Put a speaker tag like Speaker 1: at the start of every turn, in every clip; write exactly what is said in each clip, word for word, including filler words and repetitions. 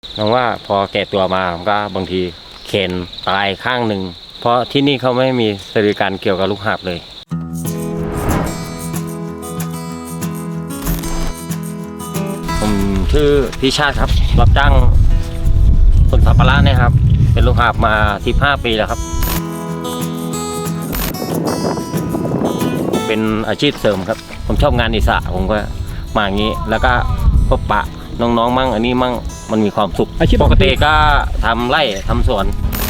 Speaker 1: น้องว่าพอแก่ตัวมาผมก็บางทีเข็นตายข้างหนึ่งเพราะที่นี่เขาไม่มีบริการเกี่ยวกับลูกหาบเลยผมชื่อพี่ชาติครับรับจ้างขนสัมภาระเนี่ยครับเป็นลูกหาบมาสิบห้าปีแล้วครับเป็นอาชีพเสริมครับผมชอบงานอิสระผมก็มาอย่างนี้แล้วก็พบปะน้องๆมั่งอันนี้มั่งมันมีความสุขปกติก็ทำไร่ทำสวน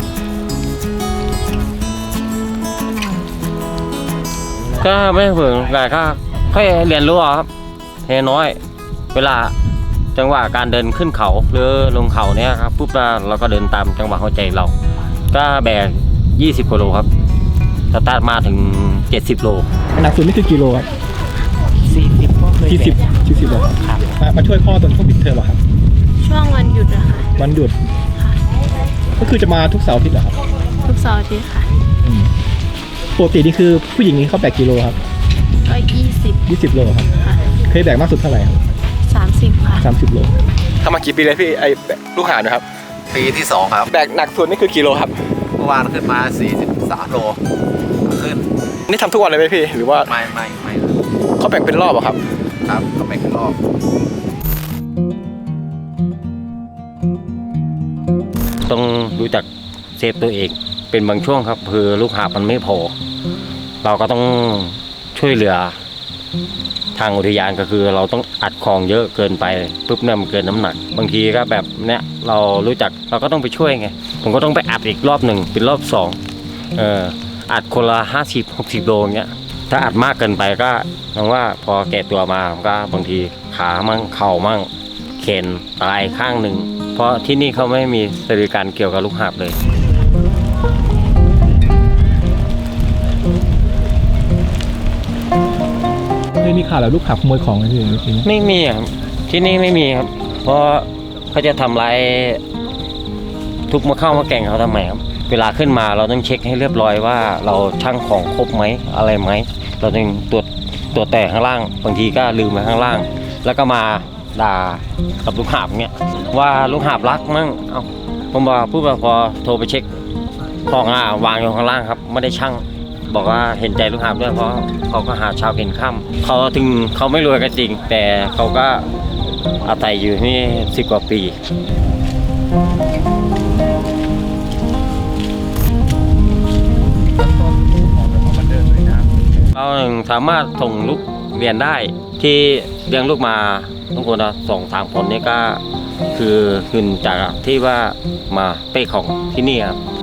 Speaker 1: ก็ไม่เพิ่งแต่ก็ค่อยเรียนรู้ครับเฮน้อยเวลาจังหวะการเดินขึ้นเขาหรือลงเขาเนี้ยครับปุ๊บเราก็เดินตามจังหวะหัวใจเราก็แบกยี่สิบกิโลครับสตาร์ทมาถึงเจ็ดสิบโล
Speaker 2: หนักสุดนี่คือกิโลครับ
Speaker 3: สี่สิบ
Speaker 2: สี่สิบสี่สิบโลครับมาช่วยพ่อตอนช่วงปิดเทอมเหรอครับ
Speaker 4: ช่วงวันหยุดอะค่ะ
Speaker 2: วันหยุดค่ะก็คือจะมาทุกเสาร์อาทิตย์เหรอครับ
Speaker 4: ทุกเสาร์อาทิตย์ค่ะ
Speaker 2: ปกตินี่คือผู้หญิงนี่เขาแบกกิโลครับ
Speaker 4: ก็ยี่สิบ
Speaker 2: ยี่สิบโลครับเคยแบกมากสุดเท่าไหร่ครับ
Speaker 4: สามสิบค่ะ
Speaker 2: สามสิบโลทำมากี่ปีเลยพี่ไอ้ลูกหาบนะครับ
Speaker 3: ปีที่สองครับ
Speaker 2: แบกหนักสุดนี่คือกิโลครับ
Speaker 3: เมื่อวานขึ้นมาสี่สิบสามโลขึ้น
Speaker 2: นี่ทำทุกวันเลยไหมพี่หรือว่า
Speaker 3: ไม่ไม่ไม่
Speaker 2: เขาแบ่งเป็นรอบเหรอครับ
Speaker 3: ครับเขาแบ่งเป็นรอบ
Speaker 1: ต้องรู้จักเซฟตัวเองเป็นบางช่วงครับคือลูกหาบมันไม่พอเราก็ต้องช่วยเหลือทางอุทยานก็คือเราต้องอัดของเยอะเกินไปปุ๊บเนี่ยมันเกินน้ำหนักบางทีก็แบบเนี้ยเรารู้จักเราก็ต้องไปช่วยไงผมก็ต้องไปอัดอีกรอบหนึ่งเป็นรอบสองเอออัดคนละห้าสิบหกสิบโลเงี้ยถ้าอัดมากเกินไปก็น้องว่าพอแก่ตัวมาก็บางทีขามั่งเข่ามั่งเข็นตายข้างหนึ่งเพราะที่นี่เขาไม่มีบริการเกี่ยวกับลูกหาบเลย
Speaker 2: ไม่มีข่าวแล้วลูกหาบขโมยของอะไรที่นี่
Speaker 1: ไม่มีครับที่นี่ไม่มีครับเพราะเขาจะทำร้ายทุกมาเข้ามาแก่งเขาทำไมครับเวลาขึ้นมาเราต้องเช็คให้เรียบร้อยว่าเราชั่งของครบไหมอะไรไหมเราต้องตรวจตรวจแต่ข้างล่างบางทีก็ลืมไว้ข้างล่างแล้วก็มาด่ากับลูกหาบเงี้ยว่าลูกหาบรักมั่งเอ้าผมบอกพูดว่าพอโทรไปเช็คของอ่ะวางอยู่ข้างล่างครับไม่ได้ชั่งบอกว่าเห็นใจลูกหาบด้วยเพราะเขาก็หาเช้ากินค่ำเขาถึงเขาไม่รวยกันจริงแต่เขาก็อาศัยอยู่นี่สิบกว่าปีเราสามารถส่งลูกเรียนได้ที่เลี้ยงลูกมาทุกคนนะสองสามคนนี่ก็คือขึ้นจากที่ว่ามาเป้ของที่นี่ครับ